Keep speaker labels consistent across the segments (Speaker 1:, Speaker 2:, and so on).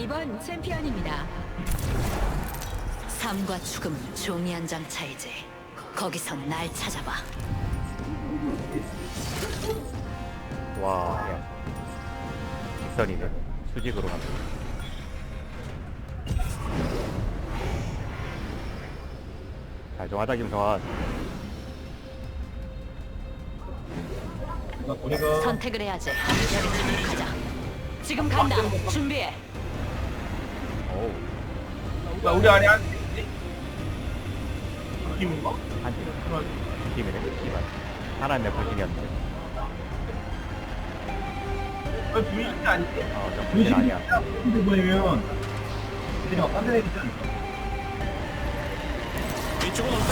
Speaker 1: 이번 챔피언입니다.
Speaker 2: 삶과 죽음 종이 한 장 차이지. 거기서 날 찾아봐.
Speaker 3: 와, 야. 직선이네. 수직으로 가면. 잘 좀 하자, 김성환.
Speaker 2: 선택을 해야지. 여기 지금 가자. 지금 간다. 준비해.
Speaker 3: 어우,
Speaker 4: 야, 우리 안에 한 팀인가?
Speaker 3: 한 팀. 팀이네, 씨발. 하나는 내 불신이었는데.
Speaker 4: 주인이 아니지?
Speaker 3: 저 불신 아니야.
Speaker 4: 근데 뭐냐면 그냥 딴 데는 있지 않을까?
Speaker 5: 이쪽은 어때?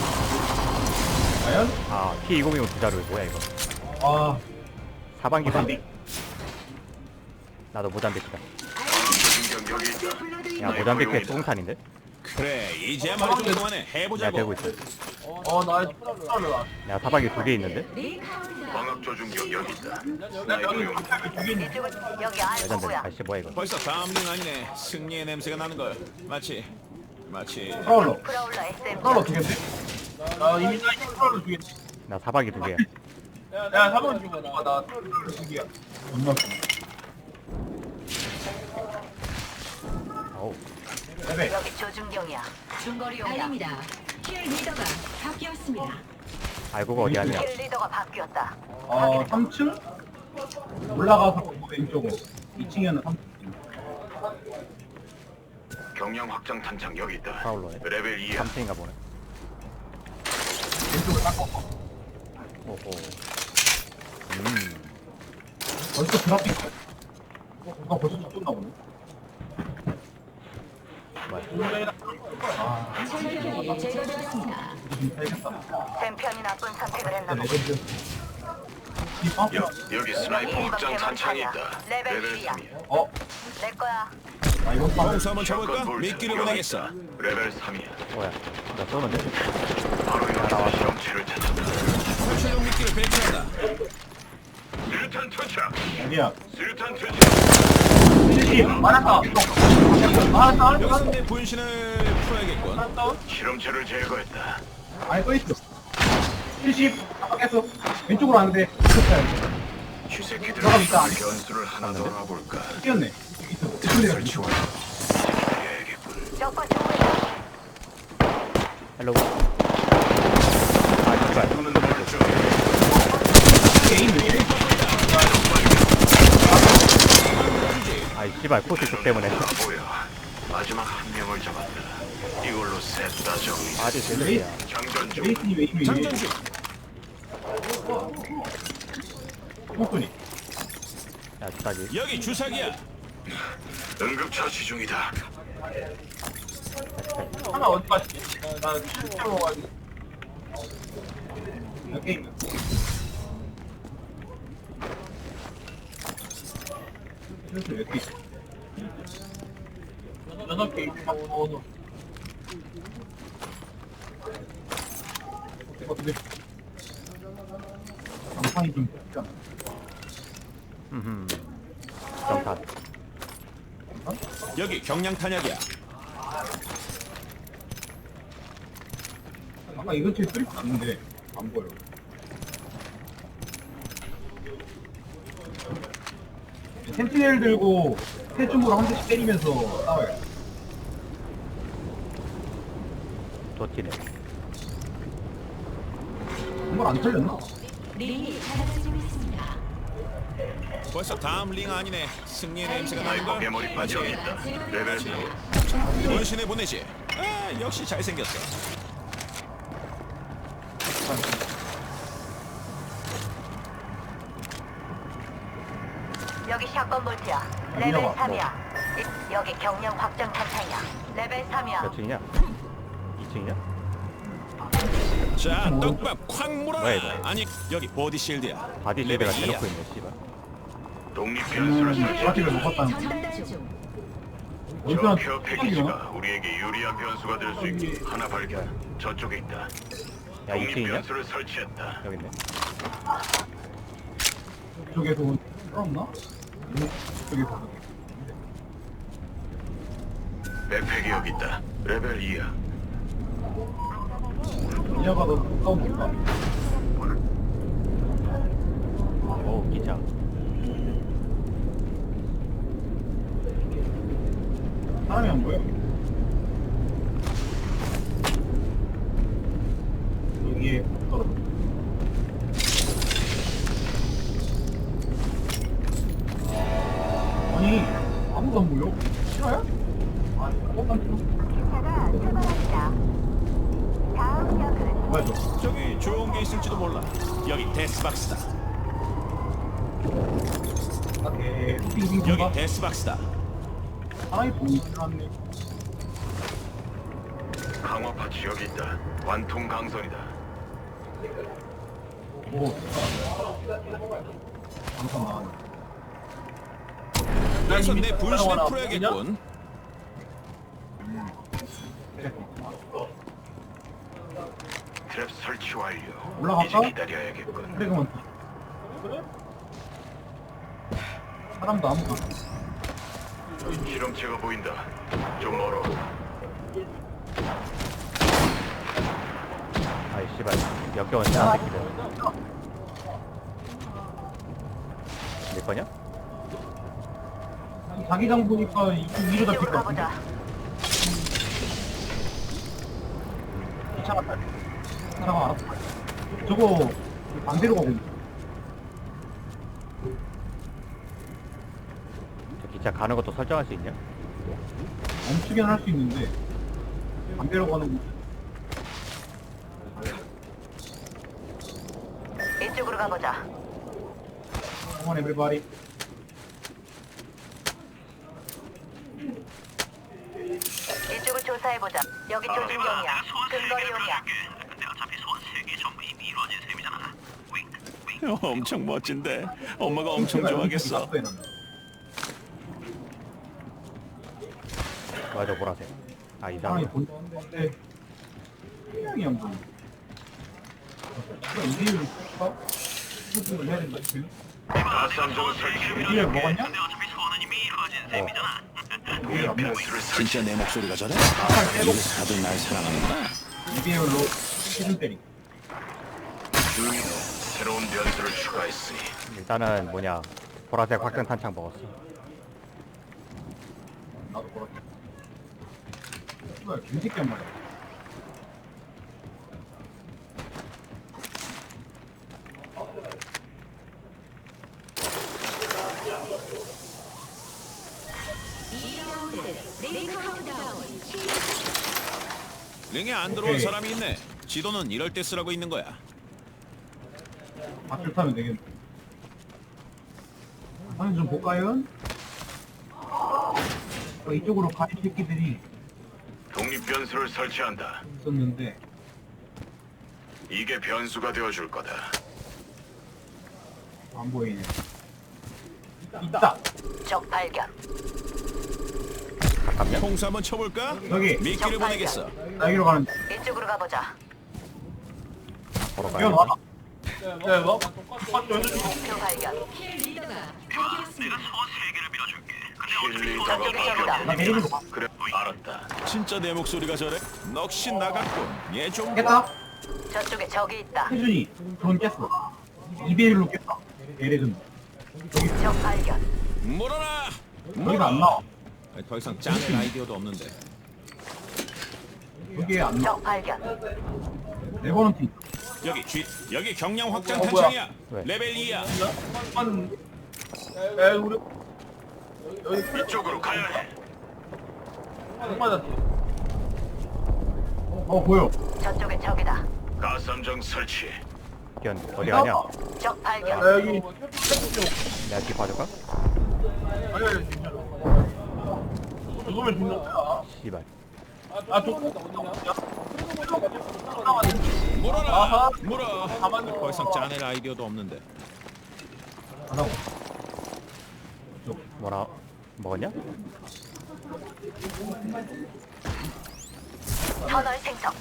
Speaker 4: 과연?
Speaker 3: 아, T2025 두자루 뭐야, 이거.
Speaker 4: 아,
Speaker 3: 사방기 반대. 나도 모잠비크다. 야, 모잠비크의 수공탄인데?
Speaker 5: 그래, 이제야 말이 좀 그만해.
Speaker 3: 내가
Speaker 5: 해보자고.
Speaker 3: 되고 있어.
Speaker 4: 나 초라를 와.
Speaker 3: 내가 사방기 2개 있는데?
Speaker 6: 광학 조준경 여기 있다.
Speaker 4: 나 여기 두개 있는데.
Speaker 2: 여기
Speaker 3: 레전드. 아씨, 뭐야, 이거.
Speaker 5: 벌써 다음 링 아니네. 승리의 냄새가 나는 걸. 마치
Speaker 4: 프라울러.
Speaker 2: 프라울러 SM.
Speaker 4: 프라울러 두 개인데? 나 이미 나 프라울러 두 개.
Speaker 3: 나 사방기 2개야.
Speaker 4: 야, 3번 주고 나 프라울러 두 개야. 존나
Speaker 3: 어우,
Speaker 4: 레벨.
Speaker 2: 여기 조준경이야. 중거리용이야.
Speaker 1: 알립니다. 킬 리더가 바뀌었습니다.
Speaker 3: 알고가 어디 아니야.
Speaker 2: 킬 리더가 바뀌었다.
Speaker 4: 3층? 올라가서 왼쪽으로. 2층에는 3층.
Speaker 6: 경량 확장 탄창 여기 있다.
Speaker 3: 파울로네.
Speaker 6: 레벨 2야.
Speaker 3: 3층인가 보네.
Speaker 4: 왼쪽을 닦아.
Speaker 3: 오호.
Speaker 4: 벌써 그래픽. 누가 벌써 쫓나 보네.
Speaker 3: 뭐야.
Speaker 1: 챔피언이 제거되었습니다.
Speaker 4: 지금 살겠다.
Speaker 2: 챔피언이 나쁜 선택을 했나 보다.
Speaker 4: 레전드.
Speaker 6: 여기 스나이퍼 확장 탄창이 있다.
Speaker 2: 레벨
Speaker 6: 레벨
Speaker 2: 1이야.
Speaker 6: 3이야.
Speaker 2: 내 거야.
Speaker 4: 이거
Speaker 5: 공수 한번 쳐볼까? 미끼를 보내겠어.
Speaker 6: 레벨 3이야.
Speaker 3: 뭐야. 나 쏘는데?
Speaker 6: 바로 여기서 실험체를 찾았다.
Speaker 5: 설치용 미끼를 배치한다.
Speaker 6: 수류탄 투척.
Speaker 4: 어디야?
Speaker 6: 수류탄 투척.
Speaker 4: 많았다. 많았다.
Speaker 5: 여기서 내 분신을 풀어야겠군.
Speaker 6: 실험체를 제거했다.
Speaker 4: 아니 떠있어. 70. 깼어. 왼쪽으로 왔는데.
Speaker 6: 쥐새끼들
Speaker 4: 들어가 있다.
Speaker 6: 변수를 하나 더 알아볼까.
Speaker 4: 뛰었네.
Speaker 6: 틈을 치워. 해야겠군.
Speaker 2: 적과 조우야.
Speaker 3: 헬로우. 아, 씨발.
Speaker 4: 게임 왜 이래?
Speaker 3: 아이, 씨발. 코스 쪽 때문에.
Speaker 6: 보여. 마지막 한 명을 잡았다. 이걸로 셋 다 정리.
Speaker 3: 아주 제대로야.
Speaker 6: 장전 중.
Speaker 4: 레이튼이 왜 이래?
Speaker 5: 장전 중.
Speaker 4: 폭군이.
Speaker 3: 야, 주사기.
Speaker 5: 여기 주사기야.
Speaker 6: 응급 처치 중이다.
Speaker 4: 하나 어디 갔지? 나 실제로 가지고. 게임. 그래서 왜 이렇게 있어? 6개 막 넣어서. 어떻게? 장판이 좀 쉽지 않아?
Speaker 3: 정탄.
Speaker 5: 여기 경량 탄약이야.
Speaker 4: 아까 이 근처에 소리 났는데 안 보여. 센티넬 들고 세줌으로 한 대씩 때리면서 싸워요.
Speaker 3: 도티네.
Speaker 4: 정말 안 털렸나?
Speaker 1: 링이 달라지고 있습니다.
Speaker 5: 벌써 다음 링 아니네. 승리의 냄새가 나는
Speaker 6: 스나이퍼
Speaker 5: 걸.
Speaker 6: 개머리판 여기
Speaker 5: 마치
Speaker 6: 있다. 레벨 3.
Speaker 5: 분신에 보내지. 아, 역시 잘생겼어.
Speaker 2: 여기 샷건 볼트야. 레벨 3이야. 여기 경량 확장 탄창이야. 레벨 3이야.
Speaker 3: 몇 층이냐? 2층이냐?
Speaker 5: 자, 떡밥 콱
Speaker 3: 뭐야,
Speaker 5: 물어라.
Speaker 3: 이거?
Speaker 5: 아니, 여기 보디 실드야.
Speaker 3: 바디
Speaker 5: 레벨
Speaker 3: 실드가
Speaker 5: 2야.
Speaker 3: 대놓고 있네, 씨발.
Speaker 6: 독립 변수를
Speaker 4: 파티를
Speaker 6: 설치했다.
Speaker 4: 먹었다는
Speaker 1: 전달 중.
Speaker 6: 저
Speaker 4: 얼마나
Speaker 6: 케어 패키지가 우리에게 유리한 변수가 될 수 있게 하나 발견. 저쪽에 있다.
Speaker 3: 야,
Speaker 6: 독립
Speaker 3: 2층이냐?
Speaker 6: 변수를 설치했다.
Speaker 3: 여기 있네.
Speaker 4: 이쪽에서 온 썰었나? 이쪽에서
Speaker 6: 백팩이 여기 있다. 레벨 2야.
Speaker 4: 이녀가 너 가까운가?
Speaker 3: 오 기자.
Speaker 4: 사람이 안 보여. 여기에 떨어져. 아니 아무도 안 보여. 싫어요? 아니
Speaker 2: 기차가 출발합니다. 다음 역은
Speaker 4: 뭐야 저?
Speaker 5: 저기 좋은 게 있을지도 몰라. 여기 데스박스다.
Speaker 4: 오케이. 빙빙
Speaker 5: 여기
Speaker 4: 봐.
Speaker 5: 데스박스다.
Speaker 4: 사람이 보이지 않네.
Speaker 6: 강화 파츠 여기 있다. 관통 강선이다.
Speaker 4: 오. 잠깐만.
Speaker 5: 그래서 내 분신을 풀어야겠군.
Speaker 6: 트랩 설치 완료.
Speaker 4: 올라갈까?
Speaker 6: 이제 기다려야겠군.
Speaker 4: 그래 그만. 사람도 아무도 없어.
Speaker 6: 실험체가 보인다. 좀 멀어.
Speaker 3: 아이 씨발 역겨운 짜 새끼들. 내 거냐?
Speaker 4: 자기장 보니까 이쪽 위로 잡힐
Speaker 2: 이쪽으로
Speaker 4: 것 같은데.
Speaker 2: 가보자.
Speaker 4: 기차 갔다. 차가 알았어. 저거 반대로 가고 있네.
Speaker 3: 저 기차 가는 것도 설정할 수 있냐?
Speaker 4: 멈추긴 할 수 있는데 반대로 가는 거.
Speaker 2: 이쪽으로 가보자.
Speaker 4: Come on everybody.
Speaker 2: 이쪽을 조사해보자. 여기 조준경이야. 근거리용이야.
Speaker 5: 엄청 멋진데. 엄마가 엄청 좋아하겠어.
Speaker 3: 맞아 보라색. 아
Speaker 4: 사람이
Speaker 3: 이상하네.
Speaker 4: 보이는데 분명히 안 보여. 이대로 할까? 수습을 해야 된다 지금.
Speaker 6: 가삼정 설치.
Speaker 4: 이대로 먹었냐?
Speaker 6: 동력 변수를 설치.
Speaker 5: 진짜 내 목소리가 저래? 다들 날 사랑하는구나.
Speaker 4: 이대로로 시즌 때리.
Speaker 6: 주인은 새로운 변수를 추가했으니
Speaker 3: 일단은 뭐냐 보라색 확장 탄창 먹었어.
Speaker 4: 나도 그렇게. 뭐야 김새끼 한 마리.
Speaker 5: 링에 안 들어온
Speaker 4: 오케이.
Speaker 5: 사람이 있네. 지도는 이럴 때 쓰라고 있는 거야.
Speaker 4: 밧줄 타면 되겠네. 한번 좀 볼까요? 이쪽으로 가는 새끼들이
Speaker 6: 독립 변수를 설치한다.
Speaker 4: 있었는데
Speaker 6: 이게 변수가 되어줄 거다.
Speaker 4: 안 보이네. 있다.
Speaker 2: 적 발견.
Speaker 3: 가깝냐?
Speaker 5: 통수 한번 쳐볼까?
Speaker 4: 여기
Speaker 5: 미끼를 보내겠어.
Speaker 4: 여기로 가는.
Speaker 2: 이쪽으로 가보자.
Speaker 3: 보러
Speaker 4: 이거
Speaker 3: 가야
Speaker 4: 놔.
Speaker 3: 돼.
Speaker 4: 야 뭐?
Speaker 2: 목표 발견.
Speaker 1: 킬 리더가 파괴했습니다.
Speaker 6: 킬리더가
Speaker 2: 저쪽에 적이다.
Speaker 4: 나
Speaker 6: 바뀌었다.
Speaker 4: 내리는 거 봐.
Speaker 6: 그래 알았다.
Speaker 5: 진짜 내 목소리가 저래? 넋이 나갔군. 얘 좀.
Speaker 4: 깼다.
Speaker 2: 저쪽에 적이 있다.
Speaker 4: 태준이 드론 깼어. 2대1로 깼다. 대레전.
Speaker 2: 적 발견.
Speaker 5: 물어라.
Speaker 4: 여기가 안 나와.
Speaker 5: 아니, 더 이상 짠 아이디어도 없는데.
Speaker 4: 여기에 안 나와.
Speaker 2: 적 발견.
Speaker 4: 레버넌트 있다.
Speaker 5: 여기 경량 확장
Speaker 4: 뭐야?
Speaker 5: 탄창이야.
Speaker 3: 왜?
Speaker 5: 레벨 2야.
Speaker 4: 우리
Speaker 6: 이쪽으로 가야 해.
Speaker 4: 보여.
Speaker 2: 저쪽에 적이다.
Speaker 6: 가삼정 설치.
Speaker 3: 기현 어디 가냐?
Speaker 2: 적 발견.
Speaker 4: 여기
Speaker 3: 내가 뒤 봐줄까?
Speaker 4: 죽으면 죽는 거야.
Speaker 3: 씨발.
Speaker 5: 물어라. 물어. 더 이상 짜낼 아이디어도 없는데.
Speaker 4: 하라고.
Speaker 3: 뭐라 먹었냐?
Speaker 2: 터널 생성.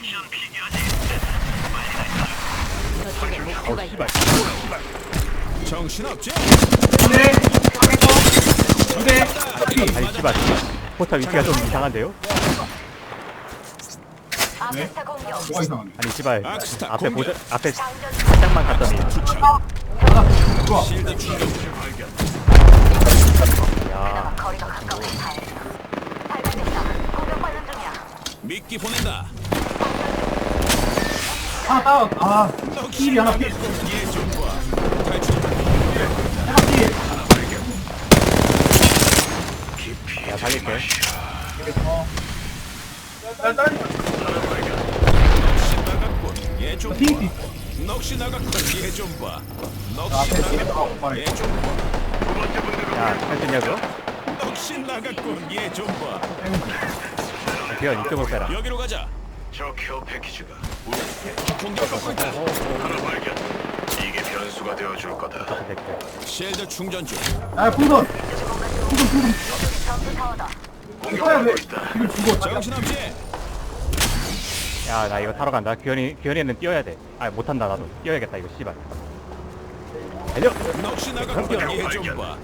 Speaker 1: 저쪽에 목표가 있다.
Speaker 5: 정신없지?
Speaker 4: 네. 두 대.
Speaker 3: 아니 씨발 포탑 위치가 좀 이상한데요?
Speaker 2: 아크스타 공격.
Speaker 4: 뭐가 이상하네.
Speaker 3: 아니 씨발
Speaker 5: 악스타
Speaker 3: 앞에
Speaker 5: 공격.
Speaker 3: 앞에
Speaker 2: 장전
Speaker 3: 살짝만 갔더니
Speaker 4: 좋아.
Speaker 5: 실드 충전 중.
Speaker 3: 야
Speaker 2: 거리가 가까워. 발견됐다. 공격받는 중이야.
Speaker 5: 미끼 보낸다.
Speaker 4: 하나 다운. 아, 킬이 하나 필.
Speaker 5: 얘좀 봐. 탈출.
Speaker 4: 하나 필.
Speaker 6: 깊이
Speaker 3: 야, 살릴게.
Speaker 4: 어. 나 다른
Speaker 5: 넋이 나갔군. 얘좀
Speaker 4: 팀.
Speaker 5: 봐. 넋이 나갔군. 얘좀 봐. 넋이
Speaker 4: 앞에 뒤에
Speaker 5: 나갔군.
Speaker 4: 나가고 말해.
Speaker 5: 얘좀 봐.
Speaker 6: 두 번째 분들은
Speaker 3: 야, 할 수 있냐고?
Speaker 5: 넋이 나갔군. 얘좀 봐.
Speaker 3: 기현 이쪽으로 빼라.
Speaker 5: 여기로 가자.
Speaker 6: 저 케어 패키지가
Speaker 5: 공격받고 있다.
Speaker 6: 하나 발견. 이게 변수가 되어줄 거다.
Speaker 3: 됐고.
Speaker 5: 실드 충전 중.
Speaker 4: 아, 풍선.
Speaker 2: 전투 타워다.
Speaker 6: 공격받고 있다.
Speaker 4: 지금 죽어.
Speaker 5: 정신없지?
Speaker 3: 야, 나 이거 타러 간다. 기현이는 뛰어야 돼. 아, 못한다 나도. 뛰어야겠다 이거 씨발. 달려.
Speaker 5: 넋이 나갔군. 얘좀 봐.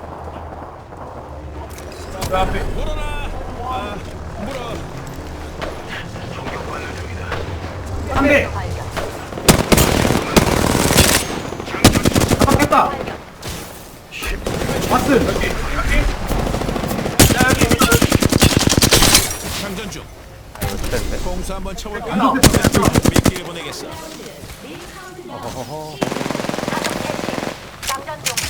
Speaker 4: 그 앞에.
Speaker 5: 물어라. 아, 물어.
Speaker 6: 공격받는 중이다.
Speaker 4: 한 대.
Speaker 2: 발견.
Speaker 4: 잡았겠다. 왓슨. 여기.
Speaker 5: 장전 중.
Speaker 3: 아, 이거 됐는데.
Speaker 5: 공수 한번 쳐볼까?
Speaker 4: 하나.
Speaker 5: 미끼를 보내겠어.
Speaker 3: 허허허.
Speaker 2: 장전 중.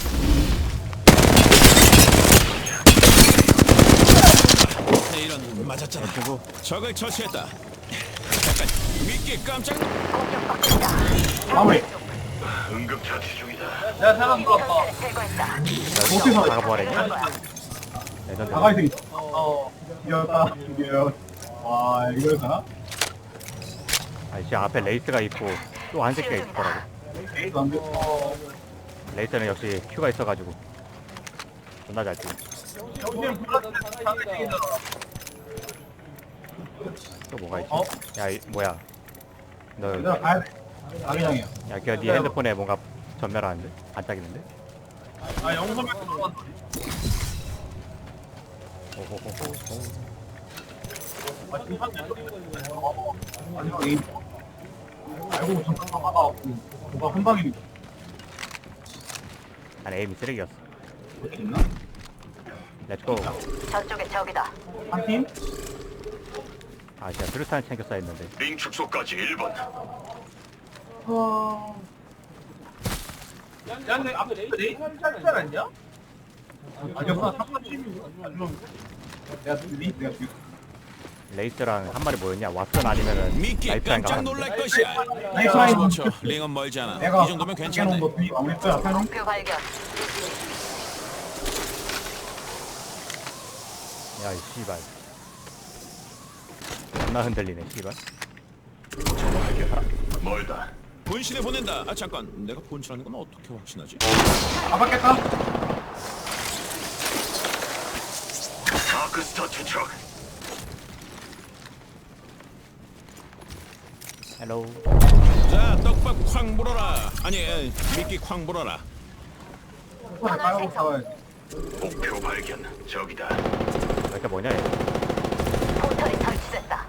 Speaker 5: 네, 이런 맞았잖아.
Speaker 3: 그리고
Speaker 5: 적을 처치했다. 잠깐 미끼 깜짝.
Speaker 2: 공격받고 있다.
Speaker 4: 마무리.
Speaker 6: 응급 처치 중이다.
Speaker 4: 내가 사람
Speaker 2: 전체를 제거했다.
Speaker 4: 어디서
Speaker 3: 나가 보아랬냐? 레전드.
Speaker 4: 가까이서 있어. 이겼다. 이겨. 와, 이걸 가나?
Speaker 3: 아니 씨 앞에 레이스가 있고 또 한 새끼가 있을 거라고.
Speaker 4: 에이도 안 돼.
Speaker 3: 레이스는 역시 큐가 있어가지고 존나 잘 뛰어.
Speaker 4: 여기는 플러스
Speaker 3: 또 뭐가 있지?
Speaker 4: 어?
Speaker 3: 야 뭐야? 너
Speaker 4: 내가 가야 돼. 자기장이야.
Speaker 3: 야, 걔 네 핸드폰에 뭔가 전멸하는데? 반짝이는데?
Speaker 4: 아, 영점에
Speaker 3: 오호호호.
Speaker 4: 아, 지금 마지막 에임. 알고 잠깐 하다가 뭐가 한 방입니다.
Speaker 3: 난 에임이 쓰레기였어.
Speaker 4: 이렇게 있나?
Speaker 3: 렛츠고.
Speaker 2: 저쪽에 적이다.
Speaker 4: 한 팀?
Speaker 3: 아 진짜 수류탄 챙겼어야 했는데.
Speaker 6: 링 축소까지 1번.
Speaker 4: 야, 근데 앞에 레이스 살지 않았냐? 아니었어. 3번 내가 내가
Speaker 3: 레이스랑 한 마리 뭐였냐? 왓슨 아니면은
Speaker 5: 미끼
Speaker 3: 라이프라인
Speaker 5: 깜짝
Speaker 3: 가봤는데.
Speaker 5: 놀랄 것이야.
Speaker 4: 라이프라인
Speaker 5: 45초. 링은 멀지 않아.
Speaker 4: 내가
Speaker 5: 이 정도면 괜찮네.
Speaker 4: 거 분위기 마무리 거야. 앞에 놓은
Speaker 2: 목표 발견.
Speaker 3: 야, 이 씨발. 존나 흔들리네, 씨발.
Speaker 6: 멀다.
Speaker 5: 분신에 보낸다. 아 잠깐. 내가 분신하는 건 어떻게 확신하지?
Speaker 4: 잡았겠다.
Speaker 6: 다크스타 투척.
Speaker 3: 헬로우.
Speaker 5: 자, 떡밥 콱 물어라. 아니, 미끼 콱 물어라.
Speaker 4: 손에 깔고 싸워야지.
Speaker 6: 목표 발견. 저기다.
Speaker 3: 이게 뭐냐, 얘.
Speaker 2: 포털이 설치됐다.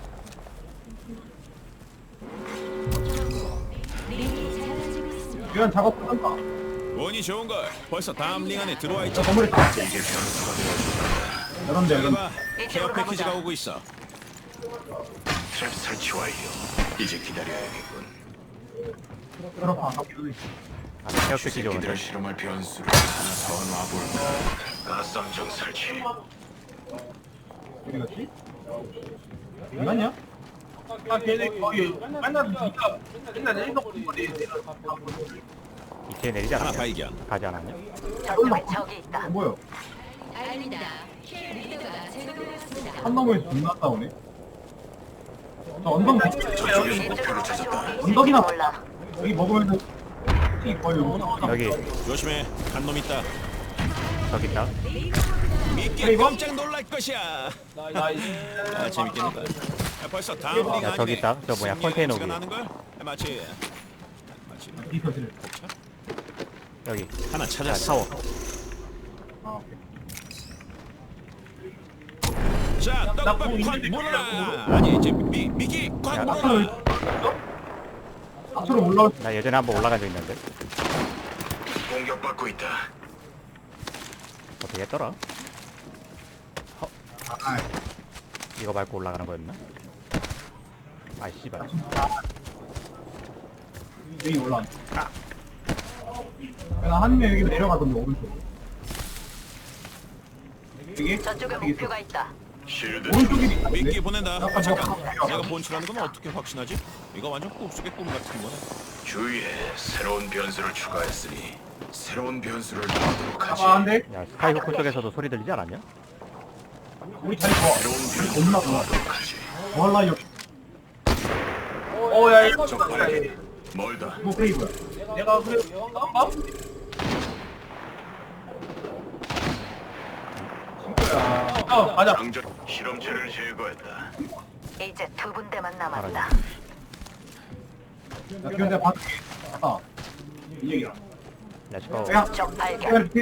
Speaker 4: 이런 작업 한다.
Speaker 5: 운이 좋은 걸. 벌써 다음 링 안에 들어와 있지.
Speaker 4: 저 건물에
Speaker 6: 이게 변수가 되어준다.
Speaker 4: 이런데 이런.
Speaker 5: 봐봐. 케어 패키지가 오고 있어.
Speaker 6: 트랩 설치 완료. 이제 기다려야겠군.
Speaker 4: 그렇다. 여기
Speaker 3: 아, 케어 패키지 오는데.
Speaker 6: 새끼들 실험할 변수를 하나 더 놔볼까. 가스함정 설치.
Speaker 4: 어디 갔지? 어디 갔냐? 아, 걔네 거기 맨날 진짜 맨날 내리서 보는 거리.
Speaker 3: 이체에 내리지
Speaker 5: 하나
Speaker 3: 않았냐?
Speaker 5: 발견.
Speaker 3: 가지 않았냐?
Speaker 2: 저쪽에 적이 있다.
Speaker 4: 뭐야?
Speaker 1: 알린다. 리더가 제거되었습니다.
Speaker 4: 한 놈을 존나 싸우네. 저 언덕
Speaker 6: 저쪽에서
Speaker 2: 이쪽으로
Speaker 6: 목표를 찾았다.
Speaker 4: 언덕이나
Speaker 2: 몰라.
Speaker 4: 여기 먹으면서 티 거의
Speaker 3: 여기,
Speaker 5: 조심해. 한 놈 있다.
Speaker 3: 저기 있다.
Speaker 5: 미끼 깜짝 놀랄 것이야. 아, 재밌겠는데. 벌써 다음 링
Speaker 3: 야, 저기
Speaker 5: 아니네.
Speaker 3: 있다. 저 뭐야, 컨테이너
Speaker 5: 승리의
Speaker 3: 위에.
Speaker 5: 나는 걸? 마치
Speaker 4: 디서실.
Speaker 3: 여기.
Speaker 5: 하나
Speaker 3: 야,
Speaker 5: 찾았어.
Speaker 3: 타워.
Speaker 4: 아, 오케이.
Speaker 5: 자, 떡밥
Speaker 4: 뭐
Speaker 5: 콱
Speaker 4: 있는데,
Speaker 5: 물어라.
Speaker 4: 그냥
Speaker 5: 아니 이제 미끼 콱
Speaker 3: 야,
Speaker 5: 물어라.
Speaker 4: 앞으로 올라올
Speaker 3: 나 예전에 한번 올라간 적 있는데.
Speaker 6: 공격받고 있다.
Speaker 3: 어떻게 했더라?
Speaker 4: 아,
Speaker 3: 이거 밟고 올라가는 거였나? 아이 씨발.
Speaker 4: 여기 올라와. 한 명 여기 내려가던데 오른쪽. 여기?
Speaker 2: 저쪽에
Speaker 4: 여기 있어.
Speaker 2: 목표가 있다.
Speaker 6: 실드
Speaker 4: 오른쪽이 있다.
Speaker 5: 미끼 보낸다.
Speaker 4: 아까
Speaker 5: 잠깐.
Speaker 4: 내가
Speaker 5: 내가 본출하는 건 어떻게 확신하지? 이거 완전 꿈속의 꿈 같은 거네.
Speaker 6: 주위에 새로운 변수를 추가했으니 새로운 변수를 넣도록 하지.
Speaker 4: 아, 안 돼.
Speaker 3: 야 스카이호크 쪽에서도 소리 들리지 않았냐?
Speaker 4: 우리 자리 좋아.
Speaker 6: 새로운 변수를
Speaker 4: 겁나 좋아.
Speaker 6: 넣도록 하지.
Speaker 4: 몰라, 여기. 야, 이거
Speaker 6: 적발하게 멀다.
Speaker 4: 뭐 페이브야. 내가 그래. 싸움봐? 가자.
Speaker 6: 장전 실험체를 제거했다.
Speaker 2: 이제 두 군데만 남았다.
Speaker 4: 야, 기현 내가 봐줄게. 이 얘기야.
Speaker 3: 렛츠고.
Speaker 4: 야,
Speaker 2: 적 발견.
Speaker 4: 내가 이렇게.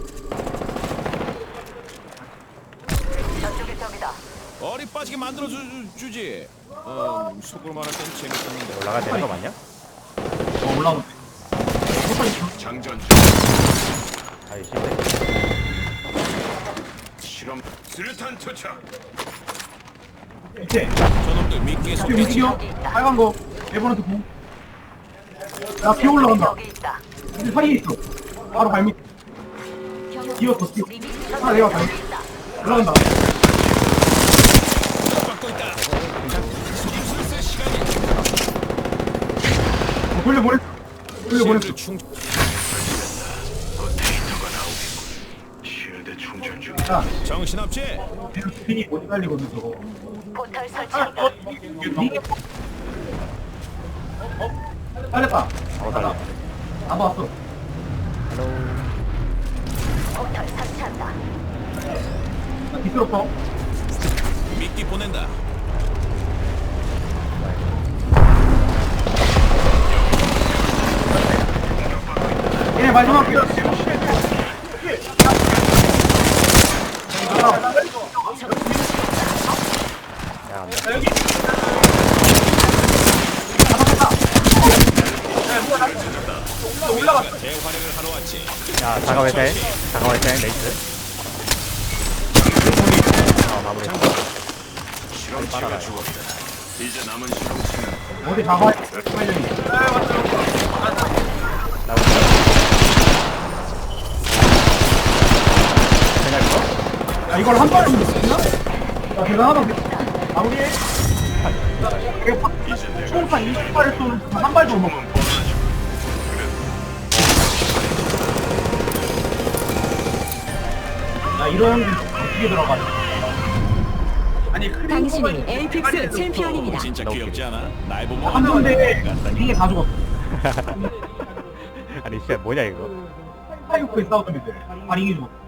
Speaker 2: 저쪽에 적이다.
Speaker 5: 어리 빠지게 만들어 주지. 속으로 말할 땐 재밌었는데.
Speaker 3: 올라가야 되는 거 맞냐?
Speaker 4: 올라오는데.
Speaker 6: 장전 중.
Speaker 3: 아이 씨발.
Speaker 6: 실험 수류탄 투척.
Speaker 4: 밑에.
Speaker 5: 저놈들 미끼에
Speaker 4: 여기
Speaker 5: 속겠지.
Speaker 4: 움직여. 빨간 거. 네번한테 공. 야, 비 올라간다.
Speaker 2: 여기 있다.
Speaker 4: 여기 사이에 있어. 바로 발밑. 뛰었어, 뛰어. 하나 내가 발밑. 올라간다.
Speaker 5: 받고 있다. 슬슬 시간이.
Speaker 4: 돌려보냈어. 돌려보냈어.
Speaker 5: 실드 충.
Speaker 6: 그 데이터가 나오겠군. 실드 충전 중.
Speaker 4: 야,
Speaker 5: 정신없지?
Speaker 4: 얘는 스핀이 못 달리거든, 저거.
Speaker 2: 포털
Speaker 4: 아,
Speaker 2: 설치한다.
Speaker 4: 달렸다.
Speaker 3: 달려.
Speaker 4: 안 봤어.
Speaker 2: 포털 설치한다.
Speaker 4: 나 뒤틀었어.
Speaker 5: 미끼 보낸다.
Speaker 4: 얘 마지막 게.
Speaker 3: 야 안돼.
Speaker 5: 재활용을 하러 왔지.
Speaker 3: 야 자가회생. 자가회생 레이스. 마무리.
Speaker 6: 실험체가 죽었다. 이제 남은 실험체는
Speaker 4: 어디 잡아.
Speaker 3: 나오고. 그냥 이거?
Speaker 4: 야, 이걸 한 발에 넣었나? 야, 대단하다. 마무리해.
Speaker 6: 이제 내가
Speaker 4: 총판 20발을 쏘는 한 발도 못 먹어.
Speaker 6: 몸은 뻔하죠.
Speaker 4: 야, 이런 게 어떻게 들어가지? 아니,
Speaker 1: 당신이 에이픽스 챔피언입니다.
Speaker 5: 진짜 귀엽지 않아? 날 보면
Speaker 4: 한 번에 이게 다 죽었어.
Speaker 3: 아니 진짜 뭐냐 이거?
Speaker 4: 파이오크에 싸우던 애들. 발잉이 죽었어.